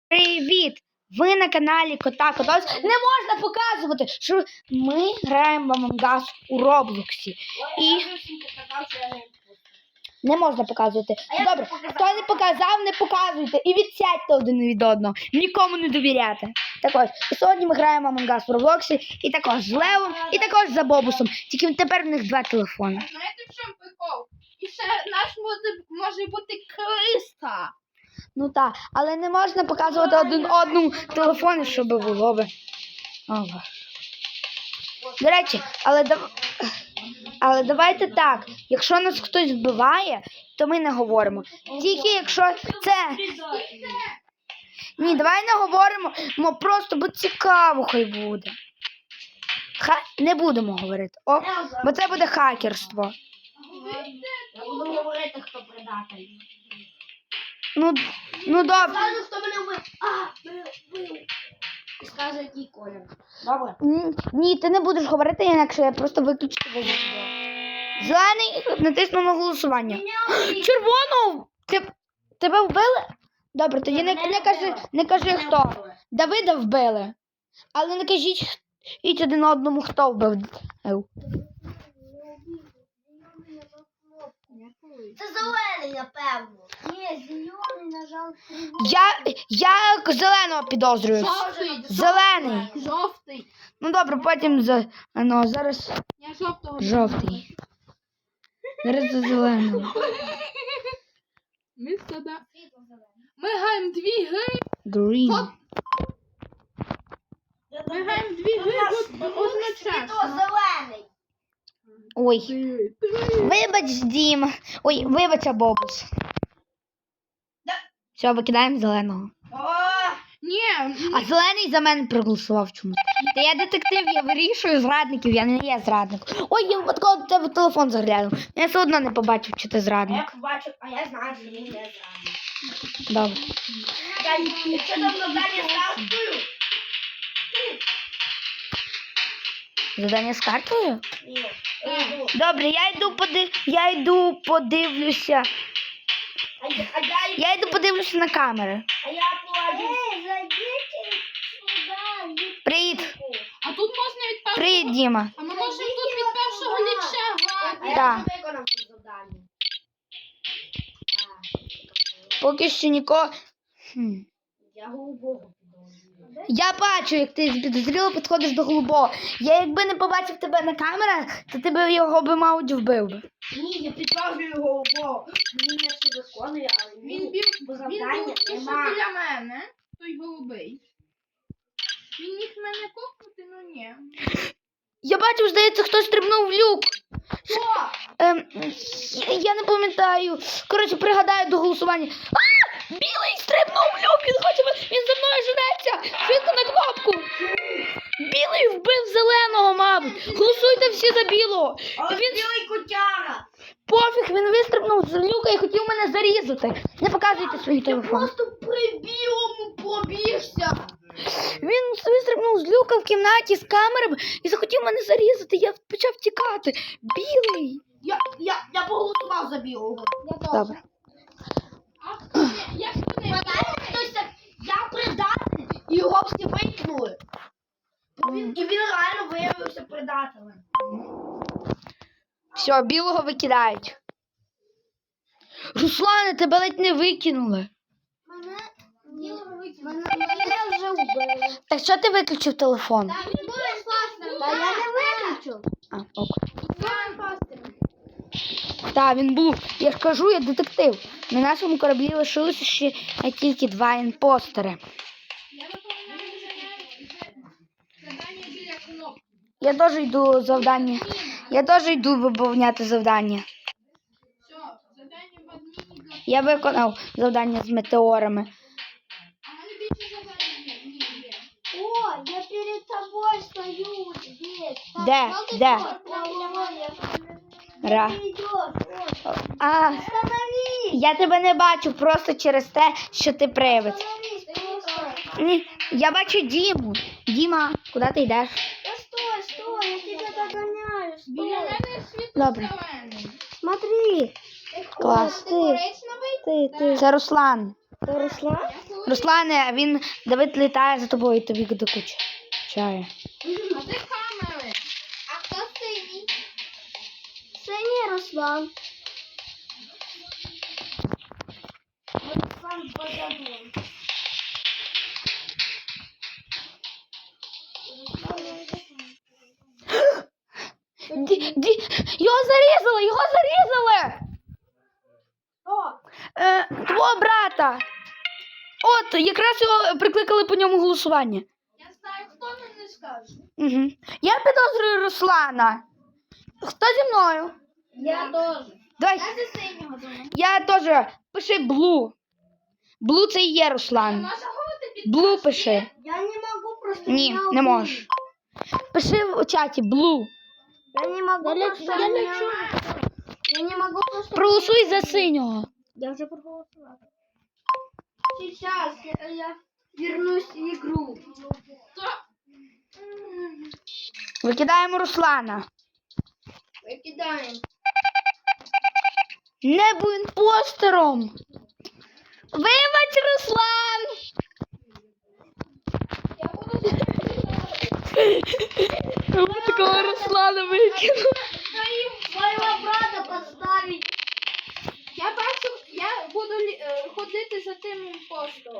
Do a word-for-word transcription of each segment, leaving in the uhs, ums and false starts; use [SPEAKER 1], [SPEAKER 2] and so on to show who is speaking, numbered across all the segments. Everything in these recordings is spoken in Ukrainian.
[SPEAKER 1] Привіт! Ви на каналі Кота Котос. Не можна показувати, що ми граємо в Among Us у Роблоксі. І не можна показувати. Добре, хто не показав, не показуйте. І відсядьте один від одного. Нікому не довіряти. Так ось, і сьогодні ми граємо Among Us в Роблоксі. І також з Левом, і також за Бобусом. Тільки тепер в них два телефони.
[SPEAKER 2] Знаєте, в чому прикол? І ще наш може, може бути Криста.
[SPEAKER 1] Ну так, але не можна показувати один одному телефони, щоб було би. О, до речі, але, дав... але давайте так, якщо нас хтось вбиває, то ми не говоримо. Тільки якщо це... Ні, давай не говоримо, мо просто, бо цікаво хай буде. Ха... Не будемо говорити, о, бо це буде хакерство.
[SPEAKER 3] Я буду говорити, хто предатель.
[SPEAKER 1] Ну, ну добре.
[SPEAKER 3] Скажу, хто мене вбив. А, вбив. І скажу, який колір. Добре?
[SPEAKER 1] Ні, ні, ти не будеш говорити, інакше я просто виключу тебе з відео. Зелений, натисну на голосування. Червоного! Ти, тебе вбили? Добре, тоді не, не, кажи, не кажи хто. Давида вбили. Але не кажіть іть один одному, хто вбив.
[SPEAKER 3] Це зелений, напевно. Ні, зелений, на жаль.
[SPEAKER 1] Я, я зеленого підозрюю.
[SPEAKER 2] Жовтий.
[SPEAKER 1] Зелений.
[SPEAKER 2] Жовтий.
[SPEAKER 1] Ну добре, потім за... Ну, зараз
[SPEAKER 2] Я жовтого.
[SPEAKER 1] жовтий. Зараз за зеленого.
[SPEAKER 2] Ми сюди. Ми граємо дві гри.
[SPEAKER 1] Green.
[SPEAKER 2] Ми граємо дві гри
[SPEAKER 3] То
[SPEAKER 2] одночасно.
[SPEAKER 3] зелений.
[SPEAKER 1] Ой. Вибач, Дім. Ой, вибач, Бобус. Все, викидаємо зеленого.
[SPEAKER 3] О,
[SPEAKER 2] Ні,
[SPEAKER 1] А зелений за мене проголосував чомусь. Та я детектив, я вирішую зрадників, я не є зрадник. Ой, я випадково до тебе в телефон заглянув. Я все одно не побачив, чи ти
[SPEAKER 3] я
[SPEAKER 1] зрадник.
[SPEAKER 3] побачив, а я знаю, що він не зелений.
[SPEAKER 1] Добре.
[SPEAKER 3] Якщо там завдання з картою?
[SPEAKER 1] Задання з картою?
[SPEAKER 3] Ні.
[SPEAKER 1] Добре, я йду поди... я йду подивлюся.
[SPEAKER 3] А я, а я,
[SPEAKER 1] Я йду подивлюся на камери.
[SPEAKER 3] а я положу. Ей, зайдіть сюди.
[SPEAKER 1] Привіт.
[SPEAKER 2] а тут можна від першого...
[SPEAKER 1] Привіт, Діма.
[SPEAKER 2] А ми можемо тут від першого ліча
[SPEAKER 3] А
[SPEAKER 2] грати.
[SPEAKER 3] я
[SPEAKER 1] Так.
[SPEAKER 3] вже виконав це завдання.
[SPEAKER 1] Поки що нікого. Хм.
[SPEAKER 3] Я голубого підозрюю.
[SPEAKER 1] Я бачу, як ти підозріло підходиш до голубого. Я якби не побачив тебе на камерах, то ти б його би, мабуть, вбив би.
[SPEAKER 3] Ні, я підозрюю голубого. Він не все виконує, але
[SPEAKER 2] Він
[SPEAKER 3] він,
[SPEAKER 2] бів,
[SPEAKER 3] бо
[SPEAKER 2] він
[SPEAKER 3] завдання
[SPEAKER 2] був пішов
[SPEAKER 3] нема.
[SPEAKER 2] біля мене, той голубий. Він міг мене копнути, ну ні.
[SPEAKER 1] Я бачив, здається, хтось стрибнув в люк.
[SPEAKER 3] Що?
[SPEAKER 1] Ем, я- я не пам'ятаю. Коротше, пригадаю до голосування. А! Білий стрибнув в люк, він хоче, він за мною женеться. Швидко на кнопку. Білий вбив зеленого, мабуть. Голосуйте всі за білого.
[SPEAKER 3] Але
[SPEAKER 1] Він
[SPEAKER 3] білий котяра.
[SPEAKER 1] пофіг, він вистрибнув з люка і хотів мене зарізати. Не показуйте свої телефони.
[SPEAKER 3] Просто при білому пробігся.
[SPEAKER 1] Він вистрибнув з люка в кімнаті з камерами і захотів мене зарізати. Я почав тікати. Білий.
[SPEAKER 3] Я, я, я поголосував за білого.
[SPEAKER 1] Добре.
[SPEAKER 2] А я ж не
[SPEAKER 3] Пам'ятаєте, хтось так, я предатель, і його всі викинули. Бо він- І він реально виявився предателем.
[SPEAKER 1] Все, білого викидають. Руслане, тебе ледь не викинули.
[SPEAKER 3] Мене білого викинули. Мене вже вбили.
[SPEAKER 1] Так що ти виключив телефон?
[SPEAKER 3] Та він буде класним. Та я не виключив.
[SPEAKER 1] А, ок.
[SPEAKER 3] Він класним.
[SPEAKER 1] Так, він був. Я ж кажу, я детектив. На нашому кораблі лишилося ще тільки два імпостери.
[SPEAKER 2] Я виповняю завдання біля кнопки.
[SPEAKER 1] Я теж йду завдання. Я теж йду виповняти завдання.
[SPEAKER 2] Все, завдання в адміні. для-
[SPEAKER 1] Я виконав завдання з метеорами.
[SPEAKER 2] А в мене більше завдання є. Ні, є.
[SPEAKER 3] О, я перед тобой стою здесь.
[SPEAKER 1] Де? Де? Ра. А, я тебе не бачу просто через те, що ти привид. Ні, я бачу Діму. Діма, куди ти йдеш?
[SPEAKER 3] Да стой, стой, я тебя догоняю,
[SPEAKER 2] Біля
[SPEAKER 3] стой.
[SPEAKER 2] мене світло
[SPEAKER 1] Добре.
[SPEAKER 2] зелений.
[SPEAKER 1] Смотри. Клас.
[SPEAKER 2] Ти
[SPEAKER 1] Ти,
[SPEAKER 2] коричневий?
[SPEAKER 1] ти, ти. Це Руслан.
[SPEAKER 3] Ты Руслан?
[SPEAKER 2] Я
[SPEAKER 1] Руслане, він Давид літає за тобою і тобі докучає.
[SPEAKER 2] А де камери? А хто синій?
[SPEAKER 3] Синій Руслан. Руслан позабув.
[SPEAKER 1] Ді, ді, його зарізали, його зарізали!
[SPEAKER 3] О,
[SPEAKER 1] Е, твого брата. От, якраз його прикликали по ньому голосування.
[SPEAKER 2] Я знаю, хто нам не скаже.
[SPEAKER 1] Угу. Я підозрюю Руслана. Хто зі мною?
[SPEAKER 3] я теж.
[SPEAKER 1] Давай.
[SPEAKER 2] Я за синього думаю.
[SPEAKER 1] Я теж. Пиши Блу. Блу це і є Руслан.
[SPEAKER 2] Можна говорити під
[SPEAKER 1] Блу пиши.
[SPEAKER 3] Я не можу просто.
[SPEAKER 1] Ні,
[SPEAKER 3] меня
[SPEAKER 1] не
[SPEAKER 3] убили.
[SPEAKER 1] можеш. Пиши в чаті Блу.
[SPEAKER 3] Я не могу просто.
[SPEAKER 2] Я
[SPEAKER 3] меня-
[SPEAKER 2] лечу.
[SPEAKER 3] Я не могу просто.
[SPEAKER 1] Проголосуй за синього.
[SPEAKER 3] Я уже проголосовала. Сейчас я, я вернусь в игру.
[SPEAKER 1] Викидаємо Руслана.
[SPEAKER 3] Выкидаем.
[SPEAKER 1] Не будь імпостером. Вибач, Руслан.
[SPEAKER 2] Я буду
[SPEAKER 1] Ви такого Руслана викинули.
[SPEAKER 3] Своего брата поставить.
[SPEAKER 2] Я бачу, я буду лі- е, ходити за тим імпостером.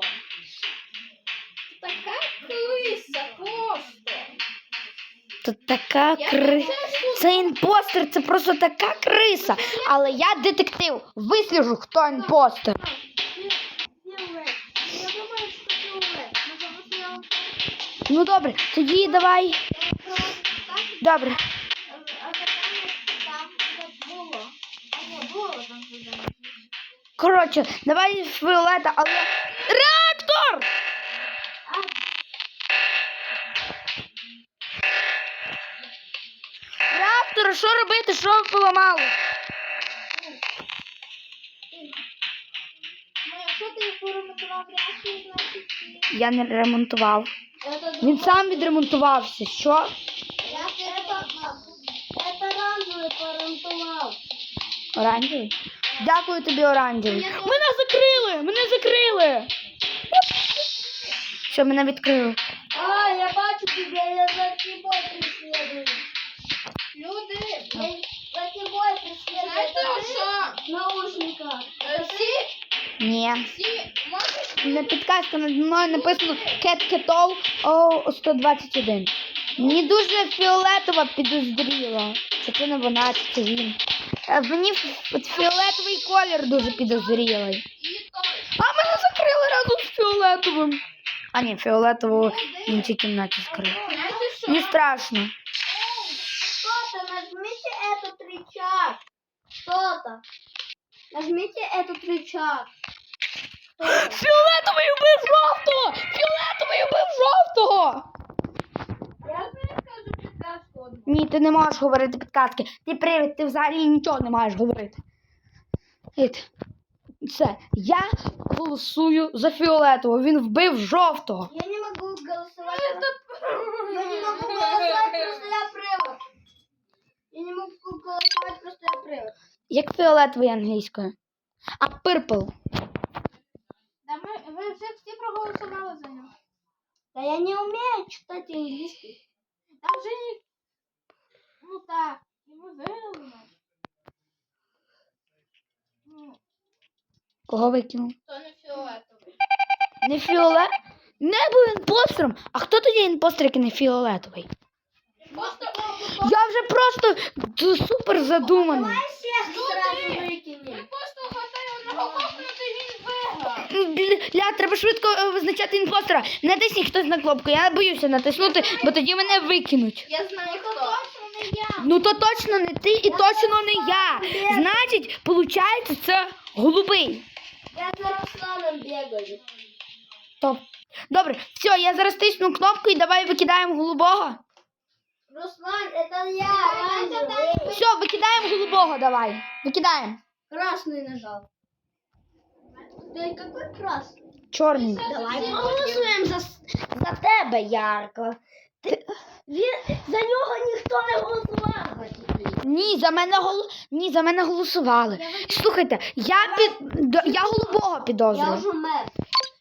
[SPEAKER 2] Така криса просто.
[SPEAKER 1] Тут така
[SPEAKER 2] Я
[SPEAKER 1] криса.
[SPEAKER 2] це
[SPEAKER 1] Це імпостер, це просто така криса. Але я детектив. Висліжу, хто імпостер.
[SPEAKER 3] Фиолет. Я думаю, что фиолет. Потому что я
[SPEAKER 1] Ну добре, тоді давай. Добре.
[SPEAKER 3] А задание там не было. А не было там задание.
[SPEAKER 1] Коротше, давай фіолета, але. Реактор!
[SPEAKER 3] А,
[SPEAKER 1] Реактор, що робити? Що ви поламали?
[SPEAKER 2] Ну, якщо ти поремонтував реакцію, значить ти...
[SPEAKER 1] Я не ремонтував.
[SPEAKER 3] это
[SPEAKER 1] Він сам відремонтувався. Що?
[SPEAKER 3] Я это, это оранжевый поремонтовал.
[SPEAKER 1] Оранжевий? Дякую тобі, оранжевий. Мене закрили! Мене закрили! Що, мене відкрили?
[SPEAKER 3] А, я бачу тебя, я за тобой преследую.
[SPEAKER 2] Люди,
[SPEAKER 3] Я за тобой преследую.
[SPEAKER 2] знаєте,
[SPEAKER 3] Это ты
[SPEAKER 2] що?
[SPEAKER 3] в наушниках.
[SPEAKER 2] Е, Всі,
[SPEAKER 1] Ні.
[SPEAKER 2] всі, можеш...
[SPEAKER 1] На підказка над мною написано Кет Кетов О сто двадцять один. Мені дуже фіолетова підозріла. Чи це не вона, чи це він. Е, Мені ф- от фіолетовий колір дуже підозрілий.
[SPEAKER 2] І той.
[SPEAKER 1] А мене закрили разом з фіолетовим. А ні, фіолетову в іншій кімнаті скрили.
[SPEAKER 2] Знаєте, що?
[SPEAKER 1] Не страшно.
[SPEAKER 3] Что-то, нажмите этот рычаг. Что-то. Нажмите этот рычаг.
[SPEAKER 1] Фіолетовий убив жовтого! Фіолетовий убив жовтого!
[SPEAKER 2] Я не скажу підказку одну.
[SPEAKER 1] Ні, ти не можеш говорити підказки. Ти привід, ти взагалі нічого не маєш говорити. Ід. Все, я голосую за фіолетового. Він вбив жовтого.
[SPEAKER 3] Я не могу голосовать. Я не могу голосовать, просто я привод. Я не могу голосовать, просто я привод.
[SPEAKER 1] Як фіолетовий англійською? А пирпл.
[SPEAKER 2] Да ми, ви вже всі проголосували за нього.
[SPEAKER 3] Да я не умею читать английский.
[SPEAKER 2] Там вже ні... Ну так, і ми виграли нас. Ну,
[SPEAKER 1] Кого викинув?
[SPEAKER 2] то не фіолетовий.
[SPEAKER 1] Не фіолет? Не був імпостером. А хто тоді імпостер, який не фіолетовий?
[SPEAKER 2] Просто
[SPEAKER 1] Я вже просто д- супер задуманий.
[SPEAKER 3] Давай всех сразу выкинем.
[SPEAKER 2] ми просто хватає одного копнути, він виграв.
[SPEAKER 1] М, Бля, треба швидко е, визначати імпостера. Натисніть хтось на кнопку. Я боюся натиснути, бо тоді мене викинуть.
[SPEAKER 2] Я знаю, хто. Точно не я.
[SPEAKER 1] Ну то точно не ти і точно не я. Значить, виходить, це голубий.
[SPEAKER 3] Я за Русланом бегаю.
[SPEAKER 1] Топ. Добре, все, я зараз тисну кнопку і давай викидаємо голубого.
[SPEAKER 3] Руслан, это я, оранжевый.
[SPEAKER 1] Все, викидаємо голубого, давай. Викидаємо.
[SPEAKER 3] Красный нажал. Ты какой красный?
[SPEAKER 1] Чорний.
[SPEAKER 3] Давай проголосуем за, за тебе, Ярко. Ти, він, за нього ніхто не голосував.
[SPEAKER 1] Ні, за мене гол... Ні, за мене голосували. Слухайте, я під до- я голубого
[SPEAKER 3] Я
[SPEAKER 1] підозрюю.
[SPEAKER 3] вже мер.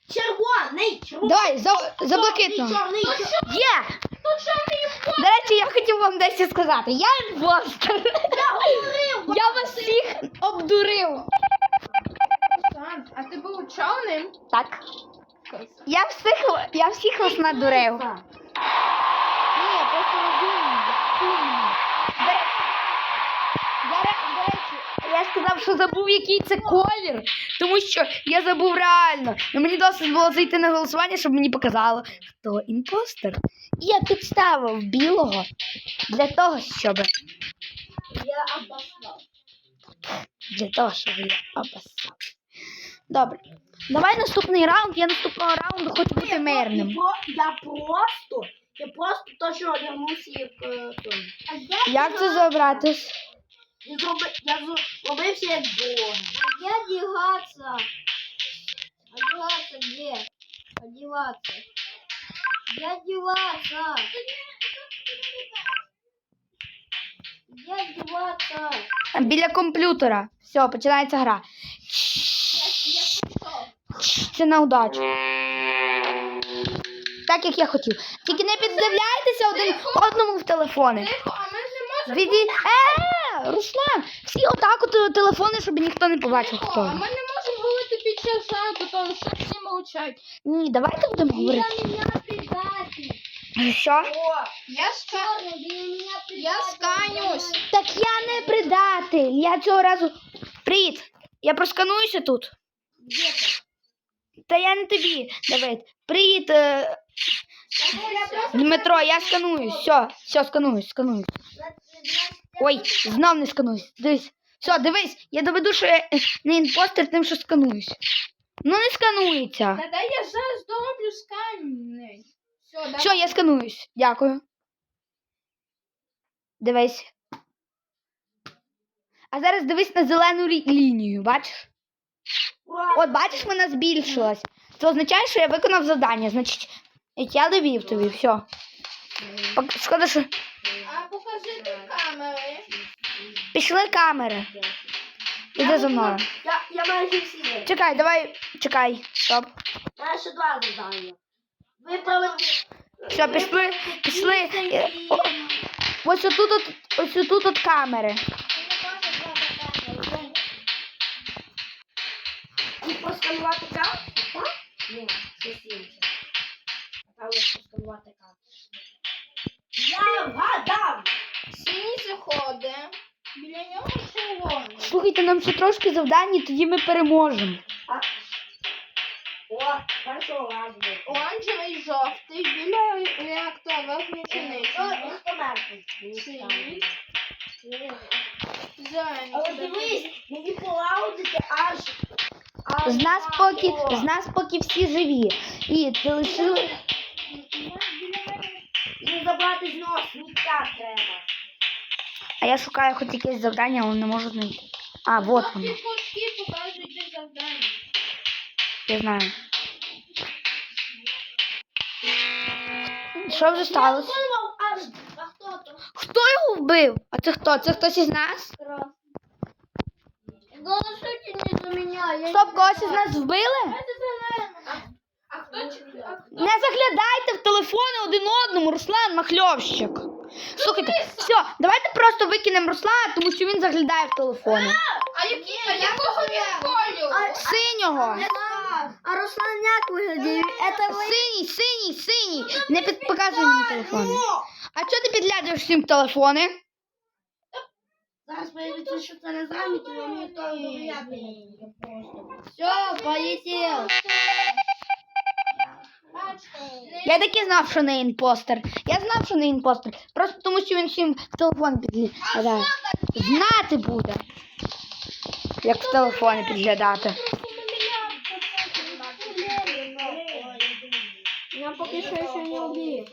[SPEAKER 3] Червоний, червоний.
[SPEAKER 1] Давай, за, за блакитного.
[SPEAKER 3] Чорний, чорний.
[SPEAKER 1] Є!
[SPEAKER 2] Тут чорний імпостер.
[SPEAKER 1] До речі, я хотів вам дещо сказати. Я імпостер.
[SPEAKER 3] Я говорив.
[SPEAKER 1] Я вас всіх обдурив.
[SPEAKER 2] Руслан, а ти був чорним?
[SPEAKER 1] Так. Я всіх, я всіх вас надурив. Ні, просто розумний. До ре- Я, ре- до речі, я сказав, що забув, який це колір, тому що я забув реально. І мені досить було зайти на голосування, щоб мені показало, хто імпостер. І я підставив білого для того, щоб
[SPEAKER 3] Я обоснав.
[SPEAKER 1] для того, щоб я обоссав. Добре. Давай наступний раунд. Я наступного раунду хочу бути мирним.
[SPEAKER 3] Я, про- я просто, я просто точно одягнувся як е, той.
[SPEAKER 1] Як це забрати?
[SPEAKER 3] Я зроби, я зробився як Бог. Где одеваться? Одеваться где? Одеваться. Где одеваться? Где одеваться?
[SPEAKER 1] Біля комп'ютера. Все, починається гра. Це на удачу. Так, як я хотів. Тільки не піддивляйтеся один одному в телефони.
[SPEAKER 2] Тихо, а ми ж не можемо.
[SPEAKER 1] Віді... Е, Руслан, всі отак от телефони, щоб ніхто не побачив,
[SPEAKER 2] Тихо,
[SPEAKER 1] хто.
[SPEAKER 2] а ми не можемо говорити під час шанку, тому що всі мовчать.
[SPEAKER 1] Ні, давайте будемо говорити.
[SPEAKER 3] меня предатель.
[SPEAKER 1] Що?
[SPEAKER 3] О,
[SPEAKER 2] Я ска...
[SPEAKER 3] Черный, ты меня предатель.
[SPEAKER 2] Я сканюсь.
[SPEAKER 1] Так я не предатель. Я цього разу... Привіт. Я проскануюся тут.
[SPEAKER 3] Где ты?
[SPEAKER 1] Та я не тобі, Давид. Привіт, е... Дмитро, я скануюсь. Все, все, скануюсь, скануюсь. Ой, знов не скануюсь. Дивись. Все, дивись, я доведу, що я е, не імпостер тим, що скануюсь. Ну не сканується.
[SPEAKER 2] Та дай я зараз дороблю сканінг. Все, давай.
[SPEAKER 1] Все, я скануюсь. Дякую. Дивись. А зараз дивись на зелену лі- лінію, бачиш?
[SPEAKER 3] Ура.
[SPEAKER 1] От бачиш, вона збільшилась. Це означає, що я виконав завдання. Значить, я довів тобі, все. Пок- Шкода, що
[SPEAKER 2] А покажи ти камери.
[SPEAKER 1] пішли камери. Іди за мною.
[SPEAKER 3] Я, я майже всі.
[SPEAKER 1] Чекай, давай, чекай, стоп.
[SPEAKER 3] У мене ще два завдання. Виправити.
[SPEAKER 1] Все, пішли, пішли. Е, о, Ось отут, от, ось отут от камери.
[SPEAKER 3] І просканувати карту, так? Ні, щось інше. Напевно, просканувати карту. Я вгадав!
[SPEAKER 2] Синій заходить. Біля нього червоний.
[SPEAKER 1] Слухайте, нам ще трошки завдань, і тоді ми переможемо.
[SPEAKER 3] А... О, першого разу.
[SPEAKER 2] Оранжевий жовтий. Біля реактора верхній
[SPEAKER 3] О,
[SPEAKER 2] чиничний.
[SPEAKER 3] ніхто мертвий.
[SPEAKER 2] Синій.
[SPEAKER 3] Але
[SPEAKER 2] Зелений.
[SPEAKER 3] дивись, мені полаудити аж... аж
[SPEAKER 1] З нас
[SPEAKER 3] на
[SPEAKER 1] поки,
[SPEAKER 3] о.
[SPEAKER 1] з нас поки всі живі. І ти лишили...
[SPEAKER 3] І забрати з нього сміття треба.
[SPEAKER 1] А я шукаю хоч якесь завдання, але не можу знайти. А, вот
[SPEAKER 2] Ті
[SPEAKER 1] воно.
[SPEAKER 2] кнопки покажуть де завдання.
[SPEAKER 1] Я знаю. Що вже сталося?
[SPEAKER 3] Я думав аж... А хто то?
[SPEAKER 1] Хто його вбив? А це хто? Це хтось із нас?
[SPEAKER 3] Голосуйте не за меня. Я
[SPEAKER 1] Стоп, когось із нас вбили?
[SPEAKER 2] А хто чи- а хто?
[SPEAKER 1] Не заглядайте в телефони один одному, Руслан Махльовщик. Слухайте, все, давайте просто викинемо Руслана, тому що він заглядає в телефони.
[SPEAKER 2] А які? А якого він кольору?
[SPEAKER 1] Синього.
[SPEAKER 3] А Руслан як виглядає? Это ви...
[SPEAKER 1] Синій, синій, синій. Не під... показуй мені телефони. А чого ти підглядаєш всім в телефони?
[SPEAKER 3] Зараз появиться, що це не заміт, і вам ніхто довіряти не буде просто. Все, полетів.
[SPEAKER 1] Я таки знав, що не імпостер. Я знав, що не імпостер. Просто тому, що він всім в телефон підглядає. Знати буде, як в телефони підглядати.
[SPEAKER 3] Я поки що ще не вбив.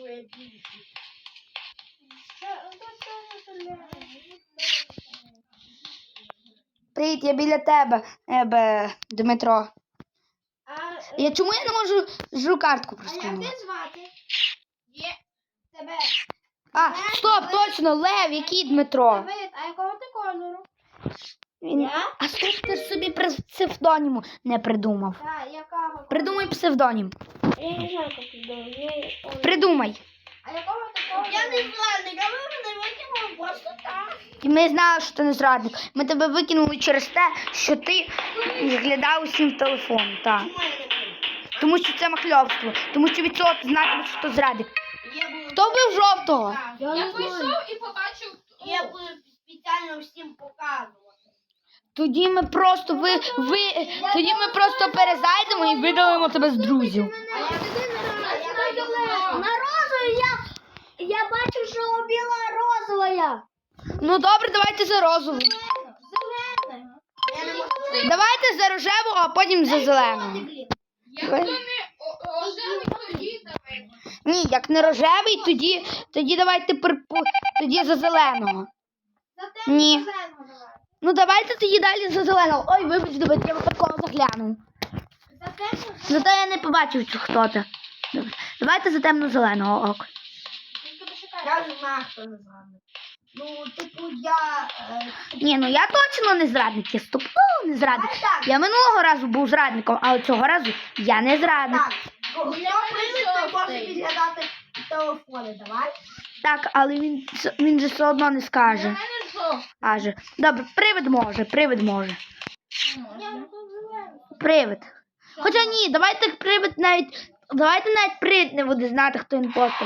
[SPEAKER 1] Привіт, я біля тебе, ебе, Дмитро. Я чому я не можу жу картку просканувати?
[SPEAKER 3] звати?
[SPEAKER 2] Є.
[SPEAKER 3] Тебе.
[SPEAKER 1] А, стоп, точно, Лев, який Дмитро?
[SPEAKER 3] Давид, а якого ти кольору?
[SPEAKER 1] Він...
[SPEAKER 3] Я?
[SPEAKER 1] А стоп, ти ж собі при- псевдоніму не придумав.
[SPEAKER 3] Так, якого?
[SPEAKER 1] Придумай псевдонім.
[SPEAKER 3] Я не знаю, як придумати.
[SPEAKER 1] Придумай.
[SPEAKER 2] А якого такого?
[SPEAKER 3] Я не знаю, не мене викинули просто так.
[SPEAKER 1] І ми знали, що ти не зрадник. Ми тебе викинули через те, що ти зглядав усім в телефон. Так.
[SPEAKER 3] Чому я не придумав?
[SPEAKER 1] Тому що це махльовство. Тому що від цього ти знатимеш, що ти зрадник.
[SPEAKER 3] Я буду...
[SPEAKER 1] Хто вбив жовтого?
[SPEAKER 3] Так,
[SPEAKER 2] Я,
[SPEAKER 3] я,
[SPEAKER 2] вийшов і побачив.
[SPEAKER 3] я буду спеціально всім показувати.
[SPEAKER 1] Тоді ми просто ви, ви тоді ми просто перезайдемо і видалимо тебе з друзів.
[SPEAKER 3] А я на розову я, я бачу, що убила розовая.
[SPEAKER 1] Ну добре, давайте за розову.
[SPEAKER 3] Зелене. Я не можу.
[SPEAKER 1] Давайте за рожеву, а потім за зелену.
[SPEAKER 2] Якщо не о- о- оживий, тоді давай.
[SPEAKER 1] Ні, як не рожевий, тоді тоді давайте припу- тоді за зеленого. Ні. Ну давайте тоді далі за зеленого. Ой, вибач, давайте я випадково заглянув. Зато я не побачив, чи хто ти. Добре. Давайте за темно-зеленого, ок.
[SPEAKER 3] Я знаю, хто не знаю. Ну, типу, я... Е,
[SPEAKER 1] Ні, ну я точно не зрадник, я стопудово не зрадник.
[SPEAKER 3] Давай так.
[SPEAKER 1] Я минулого разу був зрадником, але цього разу я не зрадник.
[SPEAKER 3] так, хто прийде, той може підглядати телефони, давай.
[SPEAKER 1] Так, але він, с- він же все одно не
[SPEAKER 2] Для
[SPEAKER 1] скаже.
[SPEAKER 2] мене жовтий.
[SPEAKER 1] Аже. Добре, привид може, привид може.
[SPEAKER 2] Можна.
[SPEAKER 1] Привид. Хоча ні, давайте привид навіть. Давайте навіть привид не буде знати, хто імпостер.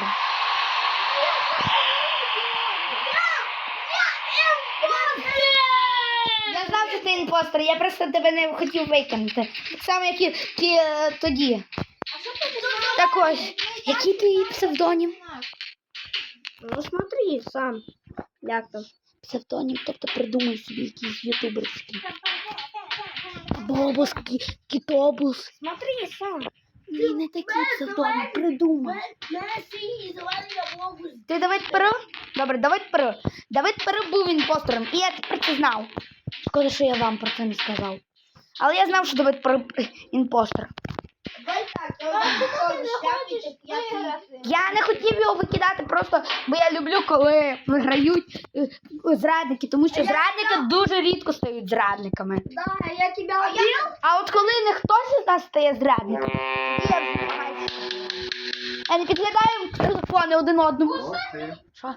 [SPEAKER 1] Я знав, що ти імпостер, я просто тебе не хотів викинути. Так само, як і ті, е, тоді. Так ось, який твій псевдонім?
[SPEAKER 3] Ну, смотри, сам. Як там?
[SPEAKER 1] Псевдонім, тобто придумай собі якийсь ютуберський. Бобус, кі- кітобус.
[SPEAKER 3] Смотри, сам.
[SPEAKER 1] Ні, не такий псевдонім, придумай.
[SPEAKER 3] На синій зелений облогу.
[SPEAKER 1] Ти Давид Перо? Добре, Давид Перо. Давид Перо був імпостером, і я тепер це знав. Шкода, що я вам про це не сказав. Але я знав, що Давид Перо імпостер.
[SPEAKER 3] Давай так, я вам шляпі, я ти.
[SPEAKER 1] Я не хотів його викидати просто, бо я люблю, коли виграють е, зрадники, тому що зрадники дуже рідко стають зрадниками.
[SPEAKER 3] Да, я тебя убил.
[SPEAKER 1] А от коли не хтось із нас стає зрадником, тоді я вже намагаюся. Я не підглядаємо телефони один одному.
[SPEAKER 4] Молодці.
[SPEAKER 1] Що?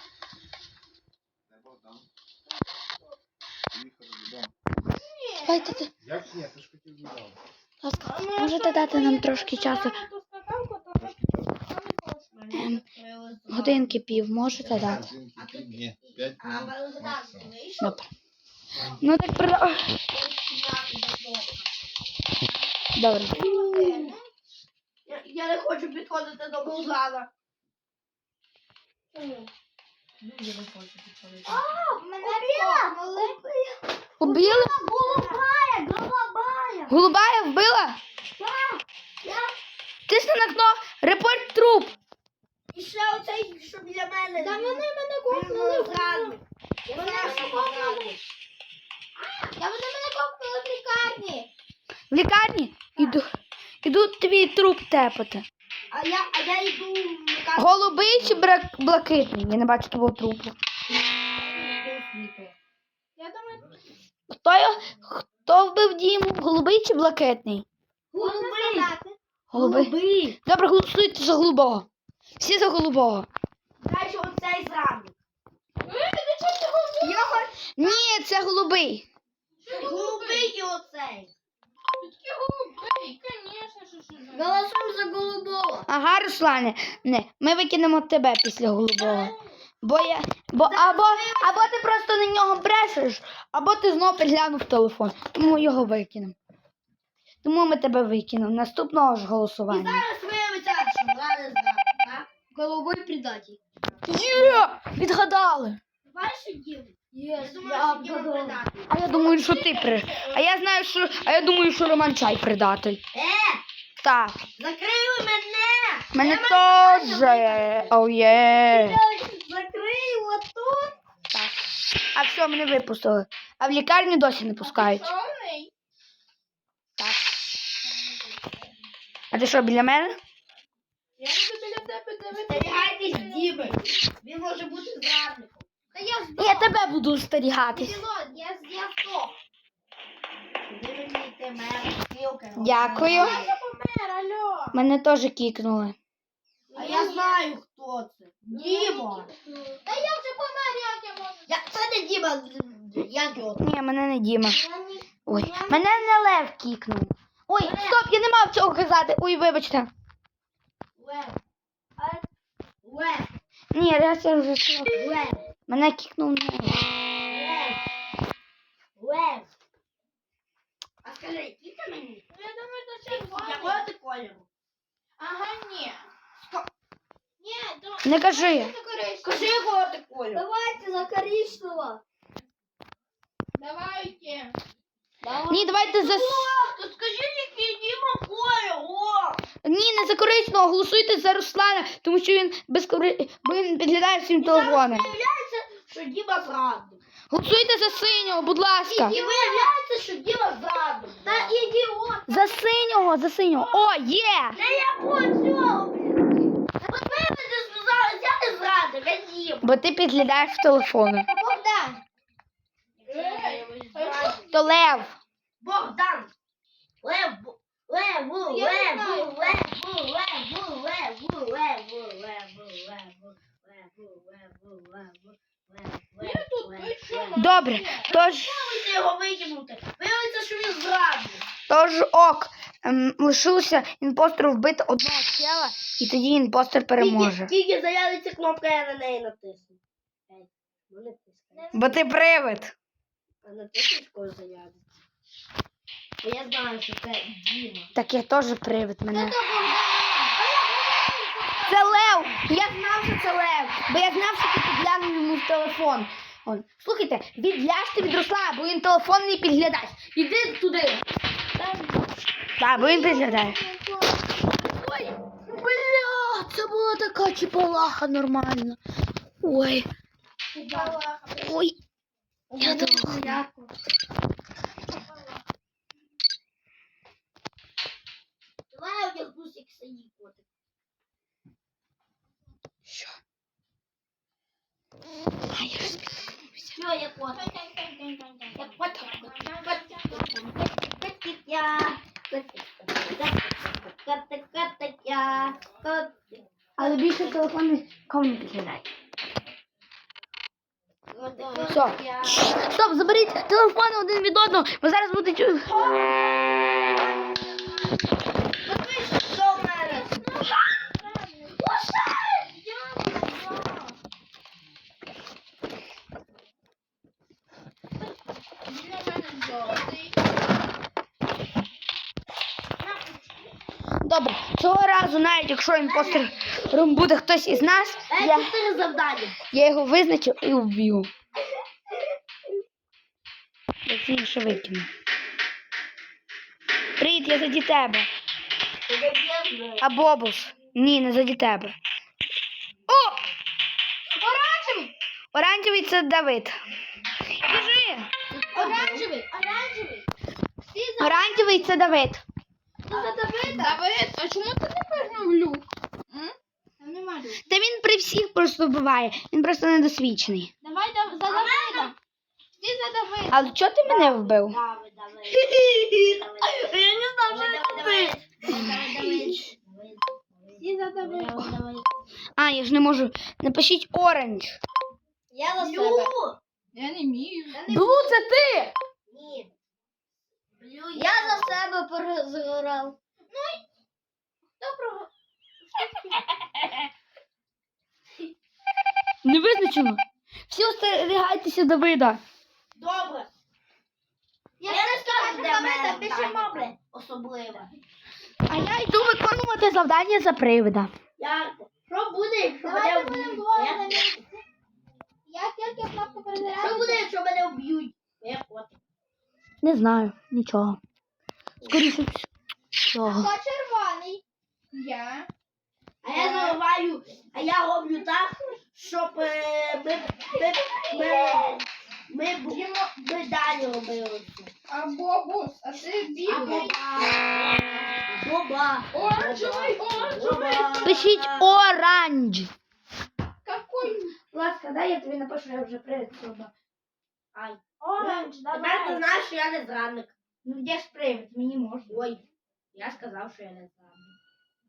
[SPEAKER 4] Не Богдан. Поїхали додому.
[SPEAKER 1] Давайте, ти-
[SPEAKER 4] Як ні, ти ж хотів додому.
[SPEAKER 1] будь ласка, можете дати нам трошки часу? Ем, годинки пів, можете дати?
[SPEAKER 4] Ні, п'ять
[SPEAKER 3] А
[SPEAKER 4] минут
[SPEAKER 3] Богдан,
[SPEAKER 4] максимум.
[SPEAKER 3] ти вийшов?
[SPEAKER 1] Добре. Ну так при... Добре.
[SPEAKER 3] Я, я не хочу підходити до Богдана. Чому? А, мене убила!
[SPEAKER 1] Убили?
[SPEAKER 3] Голубая, голубая!
[SPEAKER 1] Голубая вбила?
[SPEAKER 3] Так, я...
[SPEAKER 1] Тисни на кно, репорт труп.
[SPEAKER 3] І ще оцей, що біля мене.
[SPEAKER 2] Та вони мене
[SPEAKER 3] копнули зрадник. Я
[SPEAKER 2] Вони
[SPEAKER 3] знаю,
[SPEAKER 2] мене
[SPEAKER 3] що
[SPEAKER 2] копнули.
[SPEAKER 3] зрадник.
[SPEAKER 2] Та вони мене копнули в лікарні.
[SPEAKER 1] В лікарні? Іду, іду твій труп тепати.
[SPEAKER 3] А я, а я йду в лікарню.
[SPEAKER 1] Голубий чи брак... блакитний? Я не бачу твого трупу.
[SPEAKER 2] Я думаю,
[SPEAKER 1] Хто, його... Хто вбив Діму? Голубий чи блакитний?
[SPEAKER 3] Голубий.
[SPEAKER 1] Голубий.
[SPEAKER 3] Голубий.
[SPEAKER 1] Добре, голосуйте за голубого. Всі за голубого.
[SPEAKER 3] Знаєш, оцей зрадник.
[SPEAKER 1] Ні, це голубий.
[SPEAKER 3] Голубий і оцей.
[SPEAKER 2] такі голубий, звісно, що ж.
[SPEAKER 3] Голосуємо за голубого.
[SPEAKER 1] Ага, Руслане, не, ми викинемо тебе після голубого. Бо я, бо або, або ти просто на нього брешеш, або ти знов підглянув телефон. Тому його викинемо. Тому ми тебе викинемо. Наступного ж
[SPEAKER 3] І
[SPEAKER 1] голосування.
[SPEAKER 3] зараз виявиться, що зрадник зрадник, так? Голубой предатель.
[SPEAKER 1] Є! Відгадали.
[SPEAKER 3] Бачиш, Дім?
[SPEAKER 2] Є,
[SPEAKER 3] Я думаю, що Діма предатель.
[SPEAKER 1] А я думаю, що ти при. А я знаю, що. А я думаю, що Роман Чай предатель.
[SPEAKER 3] Е,
[SPEAKER 1] Так.
[SPEAKER 3] закрили мене!
[SPEAKER 1] Мене теж. Оу є.
[SPEAKER 3] Закрий отут.
[SPEAKER 1] Так. А все, мене випустили. А в лікарню досі не пускають.
[SPEAKER 2] Сонний.
[SPEAKER 1] Так. А ти що, біля мене?
[SPEAKER 2] Я буду біля тебе дивитися.
[SPEAKER 3] Остерігайтесь Діми. Він може бути зрадником. Та я здох.
[SPEAKER 1] Я тебе буду остерігатись.
[SPEAKER 3] Пілот, я, я здох. Куди ви мені йти, мер? Сілка.
[SPEAKER 1] Дякую.
[SPEAKER 2] Я вже помер, алло.
[SPEAKER 1] Мене теж кікнули.
[SPEAKER 3] А я знаю, хто це. Діма.
[SPEAKER 2] Та я вже помер, як я можу?
[SPEAKER 3] Я, це не Діма. Як його?
[SPEAKER 1] Ні, мене не Діма.
[SPEAKER 2] Я ні-
[SPEAKER 1] Ой, мене не Лев кікнув. Ой, стоп, я не мав цього казати. Ой, вибачте.
[SPEAKER 3] Лев. Лев.
[SPEAKER 1] Ні, раз я вже сказав.
[SPEAKER 3] Лев.
[SPEAKER 1] Мене кікнув не Лев.
[SPEAKER 3] Лев. Лев. А скажи, який ти мені?
[SPEAKER 2] Ну, я думаю, що червоний.
[SPEAKER 3] Якого ти кольору?
[SPEAKER 2] Ага, ні. Ні, то...
[SPEAKER 1] Не кажи.
[SPEAKER 2] Це коричневий.
[SPEAKER 3] Скажи, якого ти кольору?
[SPEAKER 2] Давайте за коричневого. Давайте.
[SPEAKER 1] Ні, давайте за...
[SPEAKER 3] То скажи, який Діма кольор, о!
[SPEAKER 1] Ні, не за коричневого, голосуйте за Руслана, тому що він без кори... бо він підглядає всім телефоном.
[SPEAKER 3] Виявляється, що Діма зрадив.
[SPEAKER 1] Голосуйте за синього, будь ласка.
[SPEAKER 3] І виявляється, що Діма зрадив. Та ідіот.
[SPEAKER 1] За синього, за синього. О, є!
[SPEAKER 3] Та я по цього, блін. Та от ви мені сказали, я не зрадив, я Діма.
[SPEAKER 1] Бо ти підглядаєш в телефону.
[SPEAKER 3] Богдан.
[SPEAKER 1] То Лев.
[SPEAKER 3] Богдан. Лев, бу- леву,
[SPEAKER 2] Я не
[SPEAKER 3] леву,
[SPEAKER 2] знаю.
[SPEAKER 3] леву, леву, леву, леву, леву, леву, леву, леву, леву, леву,
[SPEAKER 2] Я тут
[SPEAKER 3] леву,
[SPEAKER 2] пишу.
[SPEAKER 3] леву.
[SPEAKER 1] Добре, тож,
[SPEAKER 3] Виявиться його викинути. Виявиться, що він зрадив.
[SPEAKER 1] тож ок. Ем, лишилося імпостеру вбити одного чела, і тоді імпостер переможе.
[SPEAKER 3] Тільки, тільки заявиться кнопка, я на неї натисну. Ей, ну не тискай.
[SPEAKER 1] Бо ти привид.
[SPEAKER 3] А натиснеш, коли заявиться. Бо я знаю, що це Діма.
[SPEAKER 1] Так я теж привид мене. Це Лев! Я знав, що це Лев, бо я знав, що ти підглянув йому в телефон. Он. Слухайте, відляжте від Руслана, бо він телефон не підглядач. Іди туди. Так, бо він підглядає. Ой, бля, це була така чіпалаха нормальна. Ой, ой. Я думала.
[SPEAKER 3] Давай я одягнусь, як синій котик.
[SPEAKER 1] Що? А я ж
[SPEAKER 3] Що я котик? Я котик. Котик я. Котик. Котик, котик я. Котик.
[SPEAKER 1] Але більше телефон нікому не підглядає.
[SPEAKER 3] Котик
[SPEAKER 1] Все.
[SPEAKER 3] я.
[SPEAKER 1] Стоп, заберіть телефони один від одного, бо зараз буде чу.
[SPEAKER 3] Подивись, що в мене.
[SPEAKER 2] Він у мене жовтий.
[SPEAKER 1] Добре, цього разу, навіть якщо імпостером буде хтось із нас,
[SPEAKER 3] Дай
[SPEAKER 1] я,
[SPEAKER 3] чотири завдання.
[SPEAKER 1] я його визначу і вб'ю. Точніше викину. Привіт, я заді тебе. А Бобус? Ні, не заді тебе. О!
[SPEAKER 2] Оранжевий!
[SPEAKER 1] Оранжевий це Давид. Біжи!
[SPEAKER 2] Оранжевий! Оранжевий! Всі за...
[SPEAKER 1] Оранжевий це Давид.
[SPEAKER 2] Ти за Давида? Давид, а чому ти не пригнув люк? М? Там нема люк.
[SPEAKER 1] Та він при всіх просто вбиває. Він просто недосвідчений.
[SPEAKER 2] Давай да- за Давида. Всі за Давида.
[SPEAKER 1] Але чого ти мене вбив?
[SPEAKER 3] Давай, давай. Я не знав, що це ти.
[SPEAKER 2] Всі за Давида.
[SPEAKER 1] А, я ж не можу. Напишіть оранж.
[SPEAKER 3] Я за
[SPEAKER 2] Блю.
[SPEAKER 3] себе.
[SPEAKER 2] Я не вмію.
[SPEAKER 1] Блу, це ти!
[SPEAKER 3] Ні. Блю, я за себе перезагорав.
[SPEAKER 2] Доброго.
[SPEAKER 1] Не визначено. Всі остерігайтеся Давида.
[SPEAKER 3] Добре.
[SPEAKER 2] Я
[SPEAKER 3] Я не скажу, де
[SPEAKER 2] Давида,
[SPEAKER 3] мене
[SPEAKER 2] пишемо,
[SPEAKER 3] завдання
[SPEAKER 2] блядь.
[SPEAKER 3] особливе.
[SPEAKER 1] А я йду виконувати завдання за привида.
[SPEAKER 3] Ярко. Що буде, якщо
[SPEAKER 2] Давайте
[SPEAKER 3] мене
[SPEAKER 2] будемо
[SPEAKER 3] вб'ють?
[SPEAKER 2] двоє
[SPEAKER 3] Я-
[SPEAKER 2] на місці. Я тільки кнопку перезаряджу.
[SPEAKER 3] Що буде, якщо мене вб'ють? Я котик.
[SPEAKER 1] Не знаю, нічого. Скоріше всього.
[SPEAKER 2] Хто червоний? Я.
[SPEAKER 3] А я заливаю, а я роблю так, щоб е, ми, ми, ми, ми, бу- ми далі робили.
[SPEAKER 2] А Бобус, а ти
[SPEAKER 3] А
[SPEAKER 2] білий.
[SPEAKER 3] боба. Боба.
[SPEAKER 2] Оранжевий, оранжевий.
[SPEAKER 3] Боба.
[SPEAKER 1] Пишіть оранж.
[SPEAKER 2] Какой?
[SPEAKER 1] ласка, дай я тобі напишу, я вже привід сюди.
[SPEAKER 3] Ай.
[SPEAKER 1] Оранж,
[SPEAKER 3] Тепер ти
[SPEAKER 1] давай.
[SPEAKER 3] знаєш, що я не зрадник.
[SPEAKER 1] Ну де ж привід, мені можна.
[SPEAKER 3] Ой, я сказав, що я не зрадник.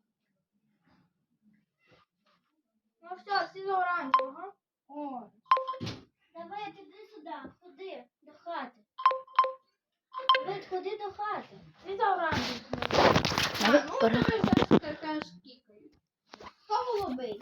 [SPEAKER 2] Ну все, всі за оранжевого. О.
[SPEAKER 3] Давай, іди сюди, ходи до хати. Давай, ходи до хати.
[SPEAKER 2] Всі за оранжевого.
[SPEAKER 1] Давай,
[SPEAKER 2] Ну,
[SPEAKER 1] пора.
[SPEAKER 2] тебе вже така ж кікають. Хто голубий?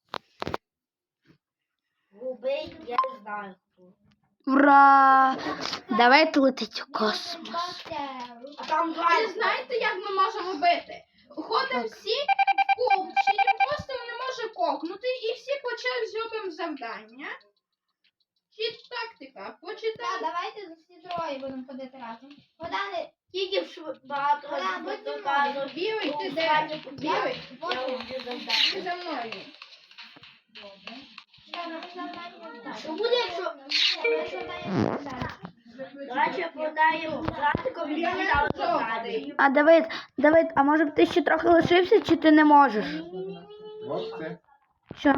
[SPEAKER 3] Голубий, я не знаю хто.
[SPEAKER 1] Ура! Давайте летить у космос.
[SPEAKER 3] А там два.
[SPEAKER 2] Ви знаєте, як ми можемо бити? Ходимо всі в клуб, чи їм просто не може кокнути, і всі по черзі зробимо завдання. Чи тактика? Почитаємо.
[SPEAKER 5] Давайте всі троє будемо ходити разом. Богдане,
[SPEAKER 3] Тільки в багато
[SPEAKER 5] Вона
[SPEAKER 3] разів
[SPEAKER 5] будь зі мною.
[SPEAKER 3] доказував.
[SPEAKER 2] Білий, ти де?
[SPEAKER 3] Останнє
[SPEAKER 2] Білий,
[SPEAKER 3] Я роблю
[SPEAKER 2] ти
[SPEAKER 3] завдання.
[SPEAKER 2] за мною.
[SPEAKER 3] Що буде, якщо... Давайте подаємо братиком і віддали завдання.
[SPEAKER 1] А Давид, Давид, а може б ти ще трохи лишився, чи ти не можеш?
[SPEAKER 4] Ось це.
[SPEAKER 1] Що?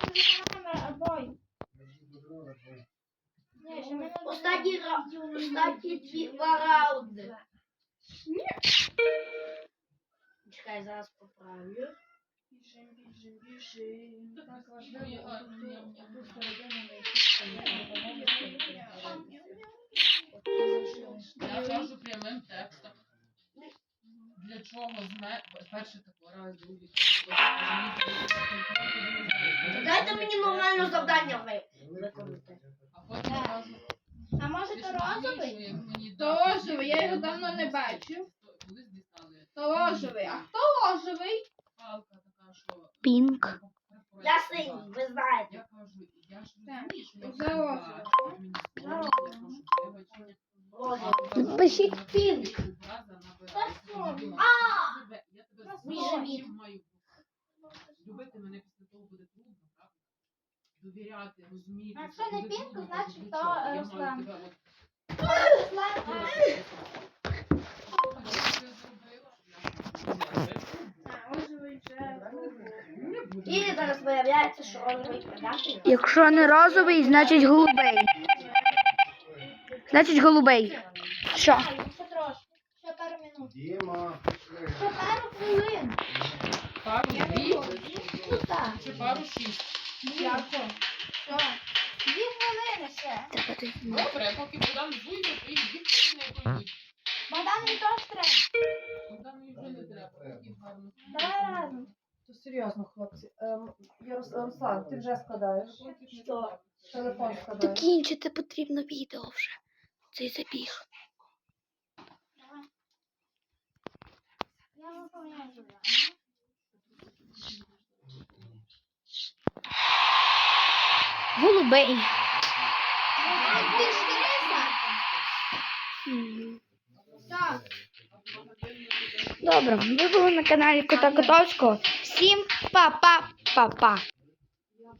[SPEAKER 3] Останні, ра... Останні дві два раунди. Чекай, зараз поправлю.
[SPEAKER 2] Біжим, біжим, біжим.
[SPEAKER 6] Я кажу прямим текстом. Для чого зме... перший такий раз, другий, третій.
[SPEAKER 3] Дайте мені нормально завдання ви- виконати.
[SPEAKER 6] А потім одразу...
[SPEAKER 5] а може то розовий?
[SPEAKER 6] як мені
[SPEAKER 2] То
[SPEAKER 6] дали,
[SPEAKER 2] розовий, я його давно не бачив.
[SPEAKER 6] Колись дістали.
[SPEAKER 2] То розовий. А хто розовий?
[SPEAKER 6] Палка така, що...
[SPEAKER 1] Пінк.
[SPEAKER 3] Я синій, ви знаєте.
[SPEAKER 6] Я кажу, я ж
[SPEAKER 2] Так,
[SPEAKER 6] розумію, що я
[SPEAKER 2] за
[SPEAKER 6] все
[SPEAKER 2] розовий.
[SPEAKER 6] бачу. Мені соромно, я прошу вибачення.
[SPEAKER 3] Розовий.
[SPEAKER 1] Пишіть пінк.
[SPEAKER 6] Я тебе
[SPEAKER 3] Мій
[SPEAKER 6] знову
[SPEAKER 3] живіт.
[SPEAKER 6] маю любити мене після того буде трудно, правда? Довіряти, розуміти.
[SPEAKER 5] Якщо
[SPEAKER 6] що
[SPEAKER 5] не
[SPEAKER 6] буде
[SPEAKER 5] Пінк,
[SPEAKER 6] трудно,
[SPEAKER 5] значить,
[SPEAKER 6] для
[SPEAKER 5] то,
[SPEAKER 6] чого?
[SPEAKER 5] е,
[SPEAKER 6] Я
[SPEAKER 5] Руслан.
[SPEAKER 6] маю тебе от
[SPEAKER 2] А, розовий вже.
[SPEAKER 3] І зараз виявляється, що розовий продати.
[SPEAKER 1] Якщо не розовий, значить голубий. Значить голубий. Що?
[SPEAKER 5] Ще трошки. Ще пару минут.
[SPEAKER 4] Діма.
[SPEAKER 5] Ще пару хвилин.
[SPEAKER 6] Пару дві
[SPEAKER 5] Ну так.
[SPEAKER 6] чи пару шість.
[SPEAKER 5] Дякую. Що? Дві хвилини ще.
[SPEAKER 6] Добре, поки Богдан зуйде, то їх дві хвилини пойдуть.
[SPEAKER 5] Богдан, мені теж треба.
[SPEAKER 6] Богдану вже не треба, такий гарний.
[SPEAKER 5] Давай разом.
[SPEAKER 7] То серйозно, хлопці. Ем, Ярос- Руслан, ти вже складаєш?
[SPEAKER 3] Що?
[SPEAKER 7] Телефон складаєш.
[SPEAKER 1] Закінчити потрібно відео вже. Цей забіг.
[SPEAKER 5] Я виповняю завдання.
[SPEAKER 1] Голубий.
[SPEAKER 5] Ти ж Криса.
[SPEAKER 1] М.
[SPEAKER 5] Так.
[SPEAKER 1] Добре, ви були на каналі Кота Котовського. Всім па-па-па-па.